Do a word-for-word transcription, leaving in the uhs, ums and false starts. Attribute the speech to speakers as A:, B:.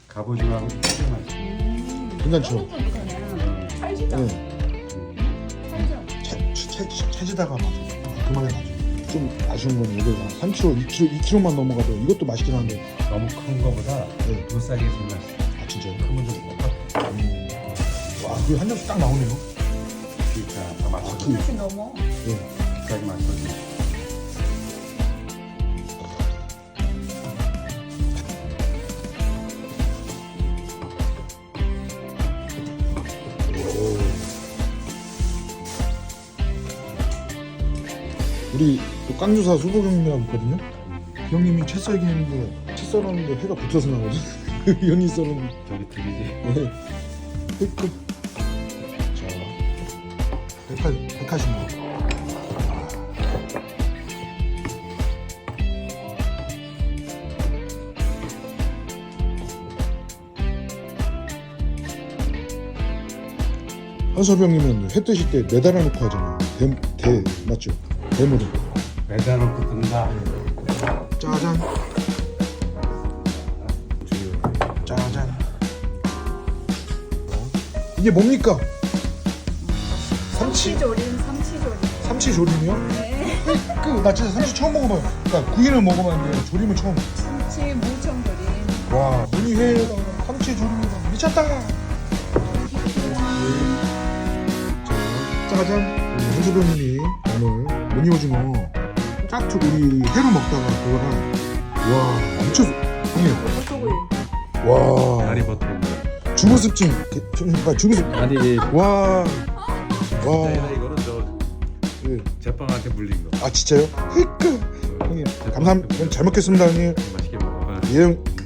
A: 갑오징어하고 되게 맛있어.
B: 괜찮죠?
C: 찰지다.
B: 네.
C: 찰져.
B: 채, 채, 채, 채지다가 막 그만해 가지고 좀 아쉬운 건 여기가 삼 킬로그램, 이 킬로그램, 이 킬로그램만 넘어가도 이것도 맛있긴 한데.
A: 너무 큰 거보다
B: 네.
A: 무싸게 제일 맛있어.
B: 아 진짜요?
A: 크면 좀 먹어.
B: 음. 와, 그한 점씩 딱 나오네요.
A: 그러니까 다 맞춰줘.
B: 그-
C: 이렇게 넘어.
B: 네.
A: 비싸게 맞춰줘.
B: 오. 우리 또 깡주사 수복 형님이라고 있거든요. 그 형님이 채 썰기 했는데 채 썰었는데 해가 붙어서 나오거든. 그 형이 썰은
A: 저기 둘이지.
B: 네. 끝. 자, 백화 백화십니다. 한섭이 형님은 회 뜨실 때 매달아 놓고 하잖아요. 대, 대 맞죠? 대물을.
A: 매달 놓고 뜬다.
B: 짜잔. 짜잔. 어? 이게 뭡니까? 삼치.
C: 삼치조림, 삼치조림.
B: 삼치 조림이요?
C: 네.
B: 그 나 진짜 삼치 처음 먹어봐요. 그러니까 구이는 먹어봤는데 조림은 처음.
C: 삼치 무청조림.
B: 와, 우리 회에다 삼치 조림이다. 미쳤다. 자, 짜잔. 한수병 님이 오늘 무늬오징어 짝퉁 우리 회로 먹다가 그거랑 와 미쳤어. 형님.
C: 버터구이.
B: 와.
A: 다리 버튼 거.
B: 주부습진. 그러니까 주부습.
A: 아니
B: 와. 와.
A: 아니라 이거는 저
B: 예.
A: 제빵한테 물린 거.
B: 아 진짜요? 히크. 형님 감사합니다. 잘 먹겠습니다 형님.
A: 맛있게 먹어.
B: 예 형.